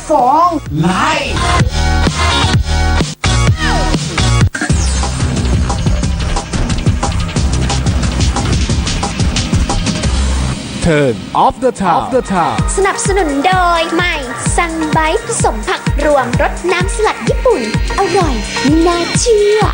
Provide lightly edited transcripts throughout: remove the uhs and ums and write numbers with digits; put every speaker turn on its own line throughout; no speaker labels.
ฟองไลฟ์
Turn off the town
สนับสนุนโดยใหม่ซันไบต์ผสมผักรวมรสน้ำสลัดญี่ปุ่น อร่อยไม่น่าเชื่อ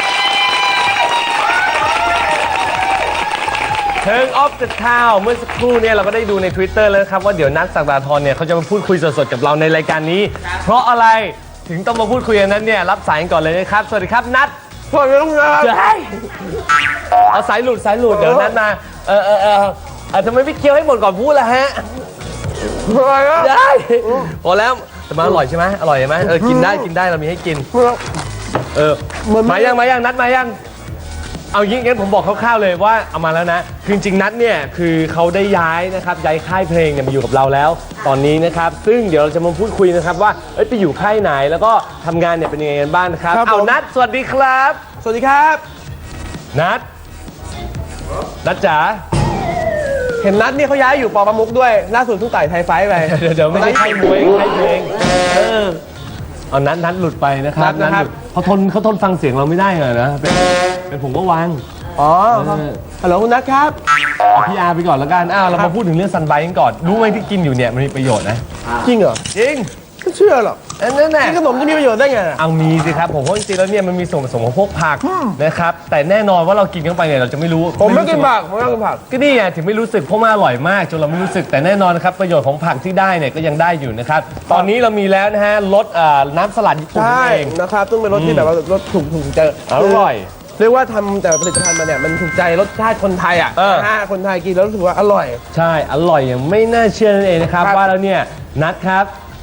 Turn off the town เมื่อสักครู่เนี่ยเราก็ได้ดูใน Twitter แล้วครับว่าเดี๋ยวนัทศักดาธรเนี่ยเขาจะมาพูดคุยสดๆกับเราในรายการนี้ เพราะอะไรถึงต้องมาพูดคุยกันนั้นเนี่ยรับสายกันก่อนเลยนะครับสวัสดีครับนัท
สวัสดีครับ
เอาสายหลุดเดี๋ยวนัทมาทำไมพี่เคี้ยวให้หมดก่อนพูดล่ะฮะ
อะไรอ่ะ
ได้พอแล้วแต่มาอร่อยใช่ไหมอร่อยใช่ไหมกินได้เรามีให้กินมายังนัดมายังเอางี้งั้นผมบอกคร่าวๆเลยว่าเอามาแล้วนะคือจริงๆนัดเนี่ยคือเขาได้ย้ายนะครับย้ายค่ายเพลงเนี่ยมาอยู่กับเราแล้วตอนนี้นะครับซึ่งเดี๋ยวเราจะมาพูดคุยนะครับว่าไปอยู่ค่ายไหนแล้วก็ทำงานเนี่ยเป็นยังไงกันบ้างนะครับเอานัดสวัสดีครับ
สวัสดีครับ
นัดจ๋า
เห็นนัทนี่เขาย้ายอยู่ปอประมุกด้วยล่าสุดเพิ่งต่อยไทยไฟท์ไป
เดี๋ยวไม่ใช่ค่ายมวยค่ายเพลงเอานัดหลุดไปนะครับ
นัทนะครับ
เขาทนฟังเสียงเราไม่ได้เลยนะเป็นผมก็วาง
อ๋อฮัลโหลคุณนัทครับ
เอาพี่อาร์ไปก่อนแล้วกันเรามาพูดถึงเรื่องซันไบต์กันก่อนรู้ไหมที่กินอยู่เนี่ยมันมีประโยชน์นะ
จริงเหรอ
จริง
ไม่เชื่อหรอก
นั่นแหละ
กินขนมจะมีประโยชน์ได้ไงอะ
เอามีสิครับผมเพราะจริงๆแล้วเนี่ยมันมีส่วนผสมของพวกผักนะครับแต่แน่นอนว่าเรากินเข้าไปเนี่ยเราจะไม่รู้
ผมไม่กินผักผมไม่กินผัก
ก็นี่ไงถึงไม่รู้สึกเพราะมันอร่อยมากจนเราไม่รู้สึกแต่แน่นอนนะครับประโยชน์ของผักที่ได้เนี่ยก็ยังได้อยู่นะครับตอนนี้เรามีแล้วนะฮะรสน้ำสลัดญี่ปุ่น
ใช่
นั่นเอง
นะครับต้องเป็นรสที่แบบว่ารสถูกใจ
อร่อย
เรียกว่าทำแต่ผลิตภัณฑ์มาเนี่ยมันถูกใจรสชาติคนไทยอ่ะนะฮะคนไทยกินแล้วรู้สึกว่าอร่อย
ใช่อร่อยอย่างไม่น่าเชื่อนั่นเองนะครับ
ครับ
ว่าแล้วเนี่ยนัดครับ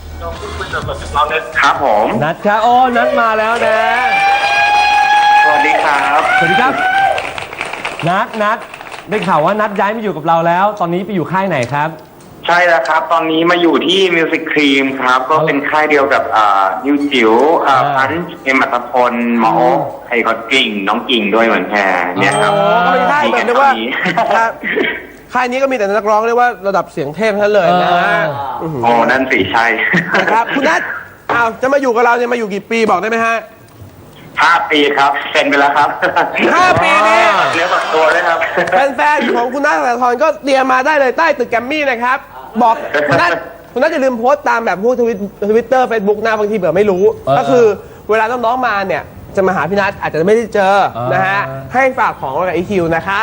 ครับผม
นัดครับโอ้นัดมาแล้วนะ
สวัสดีครับ
สวัสดีครับนัดได้ข่าวว่านัดย้ายมาอยู่กับเราแล้ว ตอนนี้ไปอยู่ค่ายไหนครับ
ใช่แล้วครับ ตอนนี้มาอยู่ที่ Music Cream ครับ ก็เป็นค่ายเดียวกับนิวจิ๋วพันธ์เอ็มอัตพลหมอโอ๊คไอ้ก็กิ่งน้องกิ่งด้วยเหมือนแพรเนี่ยครับ
ก็เป็นค่ายแบบเรียกว่าครับค่ายนี้ก็มีแต่นักร้องเรียกว่าระดับเสียงเทพทั้งนั้นเลยนะฮะ
โอ้นั่นสิใช่
นะครับคุณนัทอ้าวจะมาอยู่กับเราเนี่ยมาอยู่กี่ปีบอกได้ไหมฮะ
5 ปีครับเซ็นไปแล้วครับ
5 ปีนี้
เนื้อฝักตัวด้วยครับ
แฟนๆของคุณนัทสักดาธรก็เตรียมมาได้เลยใต้ตึกแกรมมี่นะครับบอกคุณนัทอย่าลืมโพสต์ตามแบบพวกทวิตเตอร์เฟซบุ๊กนะบางทีเผื่อไม่รู้ ก็คือเวลาน้องๆมาเนี่ยจะมาหาพี่นัทอาจจะไม่ได้เจอนะฮะให้ฝากของไว้กับไอคิวนะครับ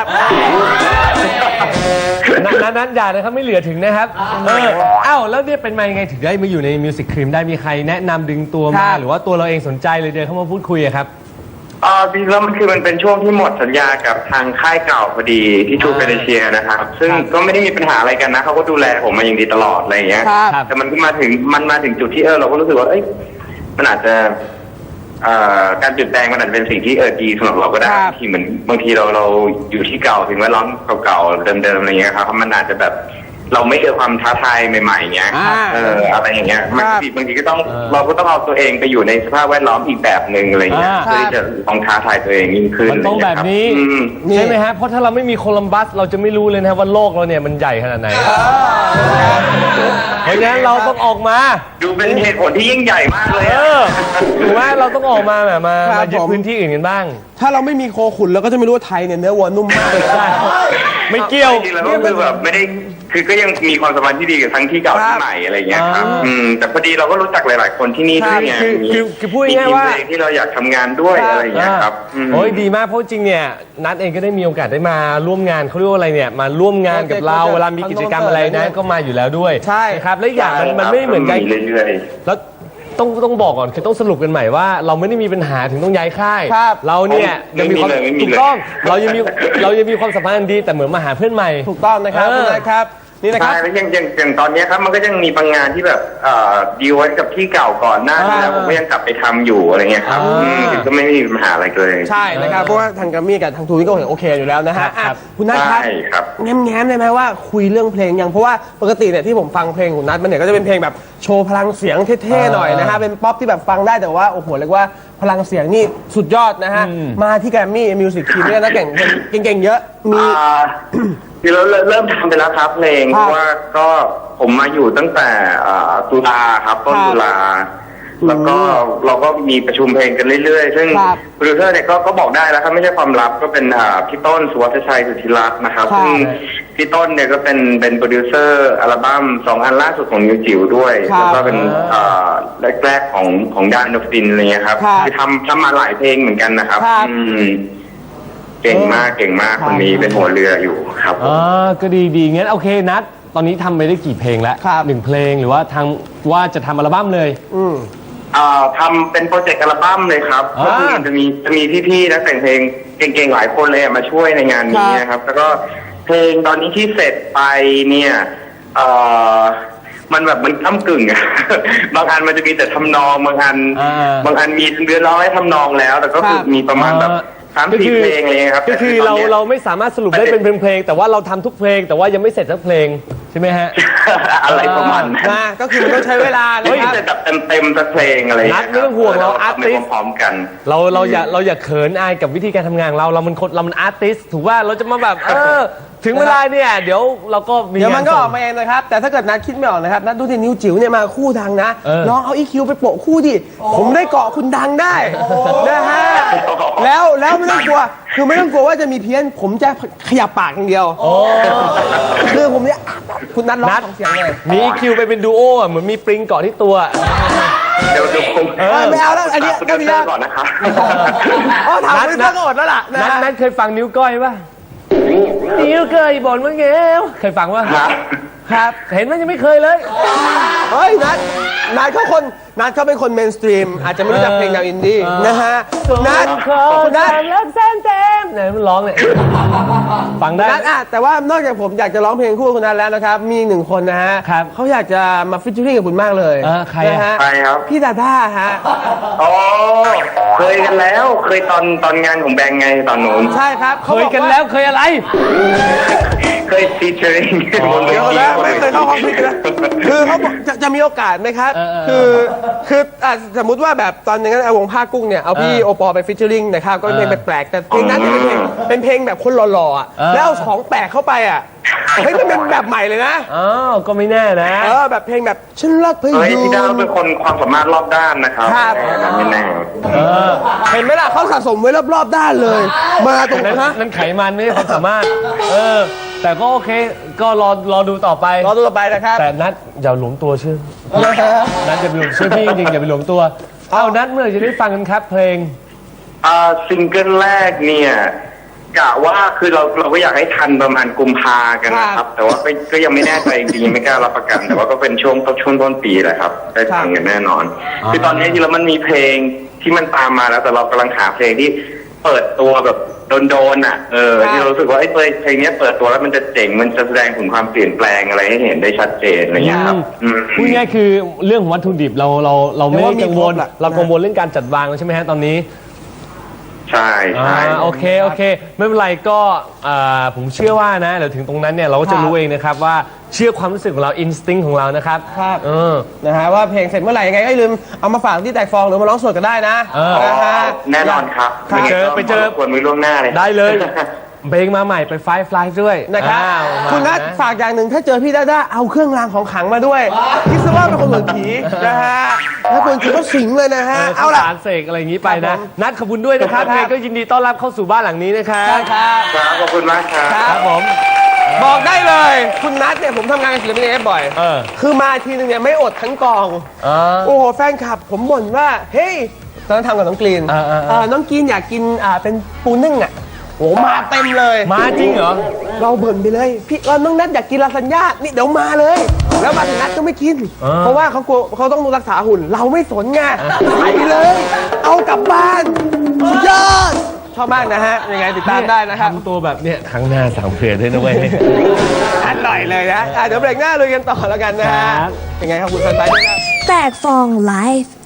นัดอย่านะครับไม่เหลือถึงนะครับแล้วเนี่ยเป็นมายังไงถึงได้มาอยู่ในมิวสิกครีมได้มีใครแนะนำดึงตัว
ครั
มา
บ
หรือว่าตัวเราเองสนใจเลยเดินเข้ามาพูดคุยอะครับ
จริงๆแล้วมันเป็นช่วงที่หมดสัญญากับทางค่ายเก่าพอดีที่ทูเปเดเชียนะครับ ซึ่งก็ไม่ได้มีปัญหาอะไรกันนะเขาก็ดูแลผมมาอย่างดีตลอดอะไรอย่างเงี้ย
ครับ
แต่มันก็มาถึงจุดที่เราก็รู้สึกว่าเอ้ยมันอาจจะการเปลี่ยนแปลงมันอาจจะเป็นสิ่งที่ดีสำหรับเราก็ได้
ครับ
ที่เหมือนบางทีเราอยู่ที่เก่าถึงแวดล้อมเก่าๆเดิมๆอะไรเงี้ยครับมันอาจจะแบบเราไม่เจอความท้าทายใหม่ๆเงี้ยอะไรอย่างเงี้ยบางทีก็ต้องเราก็ต้องเอาตัวเองไปอยู่ในสภาพแวดล้อมอีกแบบหนึ่งอะไรเงี้ยเพื่อที่จะต้องท้าทายตัวเองยิ่งขึ้น
มันต้องแบบนี้ ใช่ไหมฮะเพราะถ้าเราไม่มีโคลัมบัสเราจะไม่รู้เลยนะครับว่าโลกเราเนี่ยมันใหญ่ขนาดไหนเพราะฉะนั้นเราต้องออกมา
ดูเป็นเหตุผลที่ยิ่งใหญ่มากเลย
ถูกไหมเราต้องออกมาแบบมา
ครับ
ยึด
ผม
พื้นที่อื่นกันบ้าง
ถ้าเราไม่มีโคขุนเราก็จะไม่รู้ว่าไทยเนี่ยเนื้อวัวนุ่มมาก
ใช่ไม่เกี่ยว
จริงๆแล้วก็คือแบบไม่ได้คือก็ยังมีความสัมพันธ์ที่ดีกับทั้งที่เก่าที่ใหม่อะไรเงี้ยครับแต่พอดีเราก็รู้จักหลายๆคนที่นี่ด้วยไง
คือพูดง่ายๆว่า
มีทีมเพลงที่เราอยากทำงานด้วยอะไรเงี้ยครับ
โอ้ยดีมากเพราะจริงเนี่ยนัดเองก็ได้มีโอกาสได้มาร่วมงานเขาเรียกว่าอะไรเนี่ยมาร่วมงานกับเราเวลามีกิจกรรมอะไรนะก็มาอยู่แล้วด้วย
ใช่
นะครับและอย่างมันไม่เหมือนกัน
เรื่อย
แล้วต้องบอกก่อนคือต้องสรุปกันใหม่ว่าเราไม่ได้มีปัญหาถึงต้องย้ายค่าย
ครับ
เราเนี่ยยังมีความ
ไม่มีเลย
ถูกต้องเรายังมีความสัมพันธ์อันดีแต่เหมือนมาหาเพื่อนใหม่
ถูกต้องนะครับคุณนัทครับนี่
ๆ
นะครับ
ใช่แล้วอย่างตอนเนี้ยครับมันก็ยังมีบางงานที่แบบดีลไว้กับที่เก่าก่อนหน้านี้แล้วผมก็ยังกลับไปทำอยู่อะไรเงี้ยครับคือก็ไม่มีปัญหาอะไรเลย
ใช่นะครับเพราะว่าทางแกรมมี่กับทางทูนี่ก็โอเคอยู่แล้วนะฮะ
ครับ
คุณนัทครับ
ใช่ครับ
แง้มๆได้ไหมว่าคุยเรื่องเพลงยังเพราะว่าปกติเนี่ยที่ผมฟังเพลงของนัทมันเนี่ยก็จะเป็นเพลงแบบโชว์พลังเสียงเท่ๆหน่อยนะฮะเป็นป๊อปที่แบบฟังได้แต่ว่าโอ้โหเรียกว่าพลังเสียงนี่สุดยอดนะฮะ มาที่แกรมมี่มิวสิกทีมเนี่ยนะเก่งเยอะมี
คือเราเริ่มทำไปแล้วครับเพลง
ค
เพ
รับ
ราะว่าก็ผมมาอยู่ตั้งแต่ตุลาครับต้น
ครับ
ตุลาแล้วก็เราก็มีประชุมเพลงกันเรื่อยๆ ซึ่ง
ครับ
โปรดิวเซอร์เนี่ยก็บอกได้แล้วครับไม่ใช่ความลับก็เป็นพี่ต้นสุวัฒชัยสุทธิรัตน์นะครับ
ครับ
ซึ่งพี่ต้นเนี่ยก็เป็นโปรดิวเซอร์อัลบั้ม2 อันล่าสุดของนิวจิ๋วด้วย
ครับ
แล้วก็เป็นแรกๆของดานโนฟินอะไรเงี้ยครับ
ครับ
คือทำมาหลายเพลงเหมือนกันนะครับ
ครับ
เก่งมากคนนี้เป็นหัวเรืออยู่ครับผม
ก็ดีงั้นโอเคนัดตอนนี้ทำไปได้กี่เพลงแล้ว
ครับ
1 เพลงหรือว่าว่าจะทำอัลบั้มเลย
ทำเป็นโปรเจกต์อัลบั้มเลยครับ
อ่า
ก็คือจะมีพี่ๆนักแต่งเพลงเก่งๆหลายคนเลยมาช่วยในงานนี้นะครับ แล้วก็เพลงตอนนี้ที่เสร็จไปเนี่ยมันแบบมันก้ำกึ่งอะ บางอันมันจะมีแต่ทำนองบางอันมีเนื้อร้องให้ทำนองแล้ว แต่ก็คือมีประมาณแบบ3-4 เพลงอะไรเงี้ยครับ
ก็คือ
แต่ตนนี้ย
เราไม่สามารถสรุปได้เป็นเพลงๆแต่ว่าเราทำทุกเพลงแต่ว่ายังไม่เสร็จสักเพลงใช่ไหมฮะ
อะไรประมาณนั้น
นะก็คือมันต้องใช้เวลานะ
ไม่
ครับ
ได้แบบเต็มสักเพลงอะไรอย่างเงี้ย
นัดไม่ต้องห่วงเรา
ทำไป
artist
พร้อมๆกัน
เราอย่าเขินอายกับวิธีการทำงานของเรามันอาร์ติสถูกว่าเราจะมาแบบถึงเวลาเนี่ยเดี๋ยวเราก็มี
เดี๋ยวมันก็
งา
อ
ส่
อง กมาเองนะครับ แต่ถ้าเกิดนัดคิดไม่ออกนะครับ นัดดูที่นิ้วจิ๋วเนี่ยมาคู่ดังนะ ลองเอาอีคิวไปโปะคู่ดิ ผมได้เกาะคุณดังได้นะฮะ แล้วไม่ต้องกลัว คือไม่ต้องกลัวว่าจะมีเพี้ยน ผมจะขยับปากอย่างเดียวคือผมเนี่ยคุณนัดร้องสองเสียงเลย
มีคิวไปเป็นดูโออ่ะเหมือนมีปริงเกาะที่ตัว
เดี๋ยวผม
ไม่เอาแล้วอันนี้
คุณ
ก็
เต
มี
อ
แล้ว
ร์ก่อนนะครับ
อ๋อถามคุณนัดก็อดแล้วล่ะนะ
นัดเคยฟังนิ้วก้อยป่ะนิ้วเคยบ่นว่าเงี้ยเคยฟังป่ะ
ครับ
เห็นมันยังไม่เคยเลย
เฮ้ยนัดเขาเป็นคนเมนสตรีมอาจจะไม่รู้จักเพลงแนวอินดี้นะฮะนัด
นัดเลิกแซมไหนมันร้องเนี่ยฟังได้
นัดแต่ว่านอกจากผมอยากจะร้องเพลงคู่กับคุณนัทแล้วนะครับ มีอีกหนึ่งคนนะฮะ
ครับ
เขาอยากจะมาฟิชเชอริ่งกับคุณมากเลย
ใครอะ
นะฮะ
ใครครับ
พี่ดาด้าฮะ
อ๋อเคยกันแล้ว เคยตอนงานของแบงค์ไงตอนนู้น
ใช่ครับ
เคยกันแล้วเคยอะไร
เคยฟีเจอริงบนเว
เดี๋ยว
ที
นะไม่เคยเข้าห้องพิษนะคือเขาบอกจะมีโอกาสไหมครับ คือสมมุติว่าแบบตอนนี้วงผ้ากุ้งเนี่ยเอาพี่โอปอล์ไปฟิชเชอริ่งนะครับก็เป็นเพลงแปลกๆแต่เพลงนั้นเนี่ยเป็นเพลงแบบคนหล่อๆอ่ะแล้วเอาของแปลกเข้าไปอ่ะเฮ้ยมันเป็นแบบใหม่เลยนะ
อ้าวก็ไม่แน่นะ
แบบเพลงแบบฉันรักพ
เฮ้ย
ยู
พี่ดาว
น
เป็นคนความสามารถรอบด้านนะครับ
ครับ
ไม่แน่
เห็นไหมล่ะเขาสะสมไว้รอบๆด้านเลย มาตรง
นั่น
ฮะ
นั่นไขมันไม่ใช่ความสามารถ แต่ก็โอเค ก็รอดูต่อไป
รอตัวต่อไปนะครับ
แต่นัดอย่าหลวมตัวเชื่อนัดอย่าไปหลวมเชื่อพี่จริงๆอย่าไปหลวมตัว เอานัดเมื่อไหร่จะได้ฟังกันครับเพลง
ซิงเกิลแรกเนี่ยกะว่าคือเราก็อยากให้ทันประมาณกุมภากันนะครับ แต่ว่าก็ยังไม่แน่ใจจริงๆยังไม่กล้ารับประกัน แต่ว่าก็เป็นช่วงต้นปีแหละครับ ได้ฟังกันแน่นอน คือตอนนี้จริงๆแล้วมันมีเพลงที่มันตามมาแล้วแต่เรากำลังหาเพลงที่เปิดตัวแบบโดนๆอ่ะที่เรารู้สึกว่าไอ้เพลงนี้เปิดตัวแล้วมันจะเจ๋งมันจะแสดงถึงความเปลี่ยนแปลงอะไรให้เห็นได้ชัดเจนอะไรอย่างเงี้ยครับ
พูดง่ายๆคือเรื่องของวัตถุดิบเราไม่ได้กังวล เรากังวลเรื่องการจัดวางแล้วใช่ไหมฮะตอนนี้
ใช่ใช่
โอเคไม่เป็นไรก็ผมเชื่อว่านะเดี๋ยวถึงตรงนั้นเนี่ยเราก็จะรู้เองนะครับว่าเชื่อความรู้สึกของเราอินสติ้งของเรานะครับ
ครับนะฮะว่าเพลงเสร็จเมื่อไหร่ยังไงก็อย่าลืมเอามาฝากที่แตกฟองหรือมาร้องสดกันได้นะนะฮะ
แน่นอนครับ
ไปเจอ
ควรมีล่วงหน้าเลย
ได้เลยเพลงมาใหม่ไปไฟฟลายด้วย
นะครับ
มา
คุณนัทฝากอย่างหนึ่งถ้าเจอพี่ด้าเอาเครื่องรางของขลังมาด้วยคิดซะว่าเป็นคนเหมือนผีนะฮะถ้าคนจริงก็สิงเลยนะฮะ
เอา
เอา
ล่ะ
ล่ะ
สารเสกอะไรอย่างนี้ไป
ครั
นะ
บผม
นัดขอบคุณด้วยนะครับ
ครับ
ยังไงก็ยินดีต้อนรับเข้าสู่บ้านหลังนี้นะครับ
ครับ
ครับขอบคุณมากครับ
ครับผม
บอกได้เลย คุณนัทเนี่ยผมทำงานกับศิลปินเอฟบ่อย คือมาทีนึงเนี่ยไม่อดทั้งกอง โอ้โหแฟนคลับผมบ่นว่า เฮ้ยตอนนั้นทำกับน้องกรีนน้องกรีนอยากกินเป็นปูนึ่งอ่ะโอ้มาเต็มเลย
มาจริงเหรอ
เราเบิ่นไปเลย พี่น้องนัทอยากกินลาซานญ่านี่เดี๋ยวมาเลย แล้วมาถึงนัทก็ไม่กิน เพราะว่าเขากลัวเขาต้องรักษาหุ่น เราไม่สนไงไปเลย เอากลับบ้านสุดยอดชอบมากนะฮะยังไงติดตามได้นะครับ
ทำตัวแบบเนี้ยครั้งหน้าสั่งเผื่อด้วยนะเว้ย
อร่อยเลยนะเดี๋ยวเบรกหน้าลุยกันต่อแล้วกันนะฮะ
ครับ
ยังไงครับคุณแฟนไปด้วยครับ
แตกฟองไลฟ์